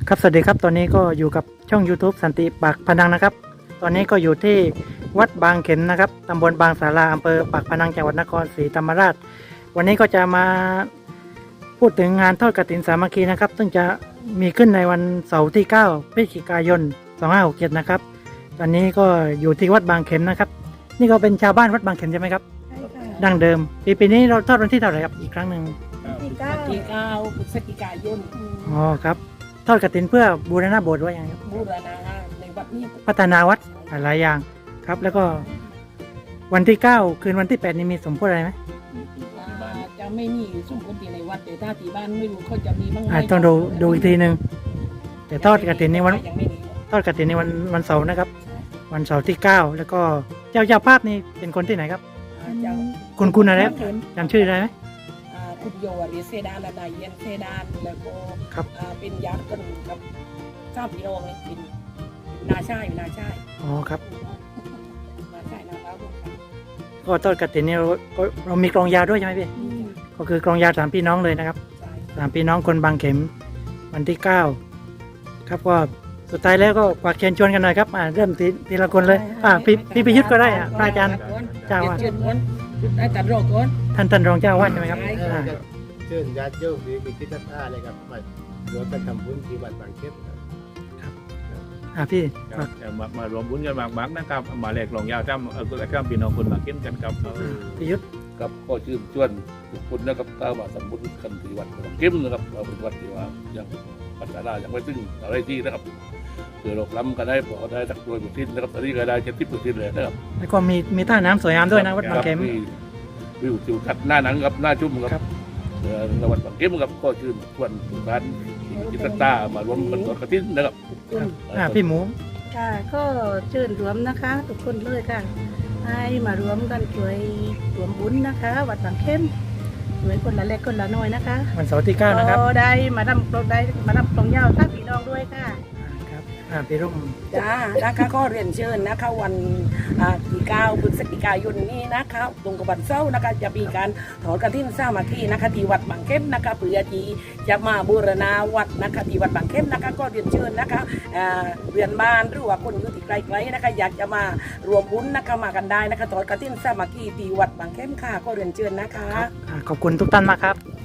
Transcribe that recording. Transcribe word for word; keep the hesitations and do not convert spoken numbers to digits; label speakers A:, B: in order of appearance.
A: ครับสวัสดีครับตอนนี้ก็อยู่กับช่อง YouTube สันติปากพนังนะครับตอนนี้ก็อยู่ที่วัดบางเข็มนะครับตำบลบางสาราอำเภอปากพนังจังหวัดนครศรีธรรมราชวันนี้ก็จะมาพูดถึงงานทอดกฐินสามัคคีนะครับซึ่งจะมีขึ้นในวันเสาร์ที่เก้าพฤศจิกายนสองห้าหกเจ็ดนะครับตอนนี้ก็อยู่ที่วัดบางเข็มนะครับนี่ก็เป็นชาวบ้านวัดบางเข็มใช่ไหมครับ
B: ใช่ค่ะ
A: ดั้งเดิมปีปีนี้เราทอดวันที่เท่าไหร่ครับอีกครั้งหนึ่ง
B: ที่เก้า
C: ที่เก้าพฤศจิกายน
A: อ๋อครับทอดกฐินเพื่อบูรณะโบสถ์ไว้ยังไงครับ
C: บูรณะในวัดนี้
A: พัฒนาวัดหลายอย่างครับ แล้วก็วันที่เก้าคืนวันที่แปดนี่มีสมโภชอะไรไหม
C: อ่าจะไม่มีสมบูรณ์ในวัดแต่ถ้าที่บ้านไม่รู้เขาจะมีบ้างไหม
A: อ่าต้องดูดูอีกทีหนึ่งแต่ทอดกฐินในวัน
C: ยังไม่มี
A: ทอดกฐินในวันวันเสาร์นะครับ วันเสาร์ที่เก้าแล้วก็เจ้าเจ้าภาพนี่เป็นคนที่ไหนครับ
C: อ่าเจ้า
A: คุณคุณอะไรครับจำชื่อได้ไหม
C: อ่าคุณโยหรือเซดานและนายเย็นเซดานแล้วก็
A: ครับ
C: อ่าเป็นญาติกันกับเจ้าพี่น้องนี่เป็นนาชายนาชาย
A: อ๋อครับ
C: นาชายนาบ้าวกัน
A: ก็ทอดกฐินนี่เราก็เรามีกลองยาวด้วยใช่ไหมพี่ก็คือกลองยาวสามพี่น้องเลยนะครับ
C: ใช่
A: สามพี่น้องคนบางเข็มวันที่เก้าครับก็สุดท้ายแล้วก็ฝากเชิญชวนกันหน่อยครับอ่าเริ่มทีทีละคนเลยอ่าพี่พี่พิยุทธก็ได้อ่ะพระอาจารย์ เจ้าอาวาส
C: เชิญก่อนได้ตัดรอกก่อน
A: ท่านท่านรองเจ้าอาวาสใช่ไหมครับ
C: ใช่
A: อ่า
D: เชิญญาติโยมที่มีจิตศรัทธาเลยครับมารวมกันทำบุญที่วัดบางเข็มครับ
A: อ่าพี่
E: ค
A: ฝา
E: รั
A: ก
E: บจะมามารวมบุญกันมากๆนะครับมาแหลกหลงยาวจ้ำเออแล้วก็พี่น้องคนมาเก็นกันครับ
A: พิยุทธ
F: ครับก็ชื่นชวนทุกคนนะครับถ้าว่าสมบูรณ์กันที่วัดบางเข้มนะครับเราเป็นวัดที่ว่ายังปัญญายังไม่ถึงอะไรที่นะครับเผื่อเราล้ำกันได้พอได้สักตัวบุตรนะครับตอนนี้ก็ได้เจ็ดสิบเปอร์เซ็นต์เลยนะครับ
A: แล้วก็มีมีท่าน้ำสวยงามด้วยนะวัดบางเข็ม
F: มีวิวทิวทัศน์หน้าหนังครับหน้าชุ่มค
A: ครั
F: รับบ เอ่อในวัดบางเข้มครับก็ชื่นชวนทุกท่านที่มีจิตศรัทธามารวมกันทอดกฐินนะครับ
A: อ่าพี่หมู
B: ค่ะก็เชิญรวมนะคะ ทุกคนเลยค่ะ ให้มารวมกันช่วยรวมบุญนะคะ วัดบางเข้มช่วยคนละเล็กคนละน้อยนะคะ
A: วันเสาร์ที่เก้านะครับ
B: ก็ได้มาดำได้มาดำตรงยาวท่าพี่น้องด้วยค่ะ
A: อ่าครับอ่าพี่รุ่ง
C: จ้านะคะก็เรียนเชิญนะคะวันอ่าที่เก้าพฤศจิกายนนี้นะคะตรงกับวันเสาร์นะคะจะมีการถอดกฐินสามัคคีนะคะที่วัดบางเข้มนะคะเพื่อที่จะมาบูรณาวัดนะคะที่วัดบางเข้มนะคะก็เรียนเชิญนะคะอ่าเรียนบ้านหรือว่าคนอยู่ที่ไกลๆนะคะอยากจะมารวมบุญนะคะมากันได้นะคะถอดกฐินสามัคคีที่วัดบางเข้มค่ะก็เรียนเชิญนะคะ
A: อ่าขอบคุณทุกท่านมากครับ